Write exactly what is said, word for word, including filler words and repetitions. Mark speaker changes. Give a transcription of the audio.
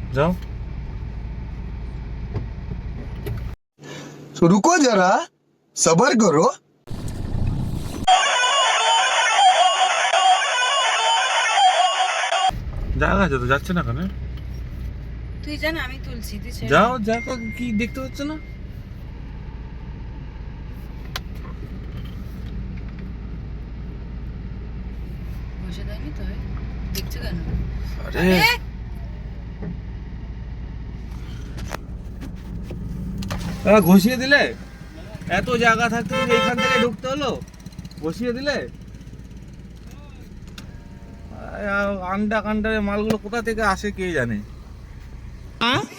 Speaker 1: যাও।
Speaker 2: तो रुको जरा, सबर करो।
Speaker 1: জায়গা আছে তো, যাচ্ছে না কেন?
Speaker 3: তুই জান আমি তুলছি, তুই ছেড়ে
Speaker 1: যাও, দেখো কি দেখতে পাচ্ছ না?
Speaker 3: বসে দেয়নি তো, দেখছো কেন?
Speaker 1: আরে আ, ঘষিয়ে দিলে, এত জায়গা থাকতে তুমি এইখান থেকে ঢুকতে হলো, ঘষিয়ে দিলে। আ, আন্ডা কান্ডারের মালগুলো কোথা থেকে আসে কে জানে।